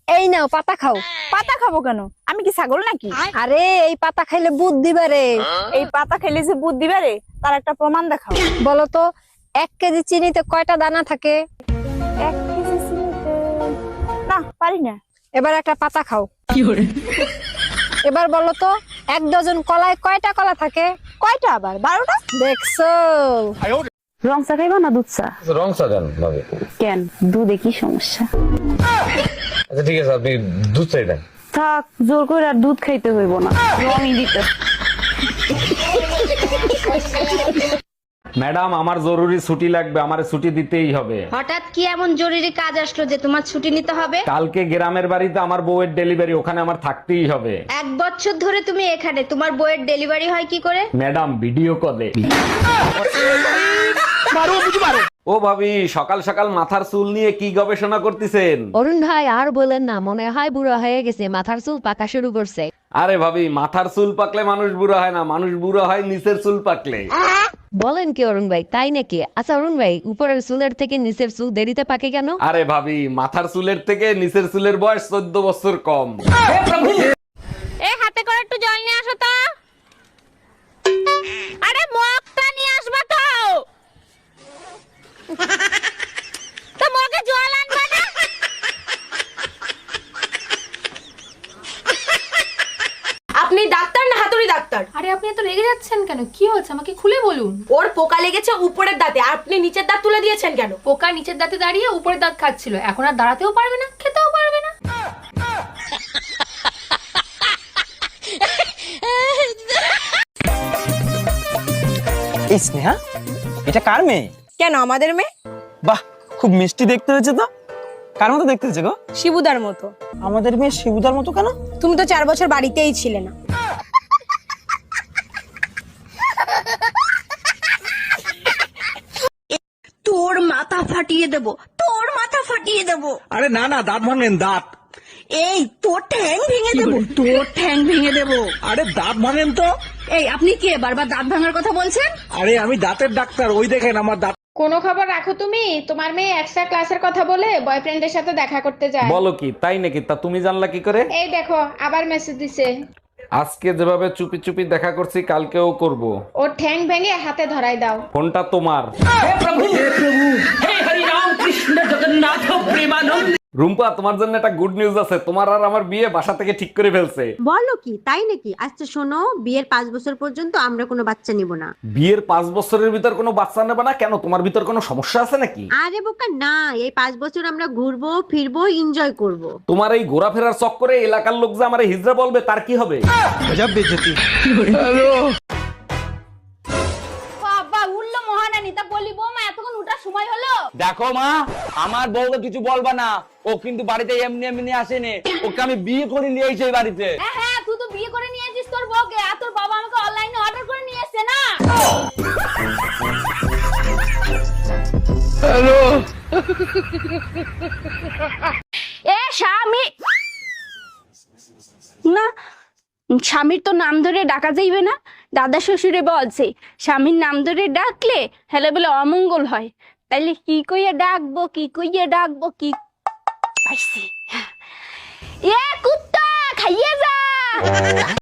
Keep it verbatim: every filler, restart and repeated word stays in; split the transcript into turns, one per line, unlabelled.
এই নাও পাতা খাও।
পাতা খাবো কেন? আমি কি ছাগল নাকি?
আরে এই পাতা খাইলে বুদ্ধি বাড়ে।
এই পাতা খেলে যে বুদ্ধি বাড়ে তার একটা প্রমাণ দেখাও।
বলো তো এক কেজি চিনিতে কয়টা দানা থাকে?
এক কেজি চিনিতে না পারি না।
এবার একটা পাতা খাও। এবার বলো তো এক ডজন কলায় কয়টা কলা থাকে?
কয়টা আবার? বারোটা।
দেখছো?
রং চা খাইবা না দুধ চা?
রং চা দেন ভাবি।
কেন, দুধে কি সমস্যা?
আচ্ছা ঠিক আছে, আপনি দুধ চাই দেন।
থাক, জোর করে আর দুধ খাইতে হইব না, রঙই দিতে।
ম্যাডাম আমার জরুরি ছুটি লাগবে, আমারে ছুটি দিতেই হবে।
হঠাৎ কি এমন জরুরি কাজ আসলো যে তোমার ছুটি নিতে হবে?
কালকে গ্রামের বাড়িতে আমার বউয়ের ডেলিভারি, ওখানে আমার থাকতেই হবে।
এক বছর ধরে তুমি এখানে, তোমার বইয়ের ডেলিভারি হয় কি করে?
ম্যাডাম ভিডিও কলে। ও ভাবি, সকাল সকাল মাথার চুল নিয়ে কি গবেষণা করতেছেন?
অরুণ ভাই আর বলেন না, মনে হয় বুড়ো হয়ে গেছে, মাথার চুল পাকা শুরু করছে।
আরে ভাবি, মাথার চুল পাকলে মানুষ বুড়ো হয় না, মানুষ বুড়ো হয় নিচের চুল পাকলে।
বলেন কি অরুণ ভাই, তাই নাকি? আচ্ছা অরুণ ভাই, উপরের চুলের থেকে নিচের চুল দেরিতে পাকে কেন?
আরে ভাবি, মাথার চুলের থেকে নিচের চুলের বয়স চোদ্দ বছর কম।
এ হাতে করে একটু জল নিয়ে আসো তো। আরে মগটা নিয়ে আসবা তো। তো মগে জল আনবা না?
আপনি ডাক্তার না হাতুড়ি ডাক্তার?
আরে আপনি এত রেগে যাচ্ছেন কেন? কি হয়েছে আমাকে খুলে বলুন।
ওর পোকা লেগেছে উপরের দাঁতে, আর আপনি নিচের দাঁত তুলে দিয়েছেন কেন?
পোকা নিচের দাঁতে দাঁড়িয়ে উপরের দাঁত খাচ্ছিল, এখন আর দাঁড়াতেও পারবে না, খেতেও পারবে না।
এই স্নেহা, এটা কার মেয়ে?
কেন আমাদের মেয়ে?
বাহ, খুব মিষ্টি দেখতে হয়েছে তো। কার মতো দেখতে হয়েছে গো?
শিবুদার মতো।
আমাদের মেয়ে শিবুদার মতো কেন?
তুমি তো চার বছর বাড়িতেই ছিলে না।
তোর মাথা ফাটিয়ে দেব, তোর মাথা ফাটিয়ে দেব।
আরে না না, দাঁত ভাঙেন, দাঁত।
এই তোর ঠ্যাং ভেঙে দেব, তোর ঠ্যাং ভেঙে দেব।
আরে দাঁত ভাঙেন তো।
এই আপনি কে বারবার দাঁত ভাঙার কথা বলছেন?
আরে আমি দাঁতের ডাক্তার, ওই দেখেন আমার দাঁত।
কোনো খবর রাখো তুমি? তোমার মেয়ে এক্সট্রা ক্লাসের কথা বলে বয়ফ্রেন্ডের সাথে দেখা করতে যায়।
বলো কি, তাই নাকি? তা তুমি জানলা কি করে?
এই দেখো আবার মেসেজ দিছে।
আজকে যেভাবে চুপি চুপি দেখা করছি, কালকেও করব।
ওর ঠ্যাং ভেঙে হাতে ধরাই দাও।
ফোনটা তোমার। রুম্পা, তোমার জন্য একটা গুড নিউজ আছে, তোমার আর আমার বিয়ে বাসা থেকে ঠিক করে ফেলছে।
বলো কি, তাই নাকি? আচ্ছা শোনো, বিয়ের পাঁচ বছর পর্যন্ত আমরা কোনো বাচ্চা নিব না।
বিয়ের পাঁচ বছরের ভিতর কোনো বাচ্চা নেবে না কেন? তোমার ভিতর কোনো সমস্যা আছে নাকি?
আরে বোকা না, এই পাঁচ বছর আমরা ঘুরবো ফিরবো এনজয় করব।
তোমার এই ঘোরাফেরার চক্করে এলাকার লোক যে আমারে হিজড়া বলবে, তার কি হবে?
বাবা উল্লো মহারানী, তা বলি বৌমা এতক্ষণ উঠার সময় হলো?
দেখো মা, আমার বউকে কিছু বলবা না, ও কিন্তু বাড়িতে এমনি এমনি আসেনি, ওকে আমি বিয়ে করে নিয়ে এসেছি এই বাড়িতে।
হ্যাঁ হ্যাঁ, তুই তো বিয়ে করে নিয়ে এসেছিস তোর বউকে, আর তোর বাবা আমাকে অনলাইনে অর্ডার করে নিয়ে এসেছে না।
এ স্বামী না, স্বামীর তো নাম ধরে ডাকা যাইবে না। দাদা শ্বশুরে বলছে স্বামীর নাম ধরে ডাকলে হেলে বলে অমঙ্গল হয়। তাইলে কি কইয়া ডাকবো, কি কইয়া ডাকবো, কি পাইছি। এ কুত্তা খাইয়ে যা।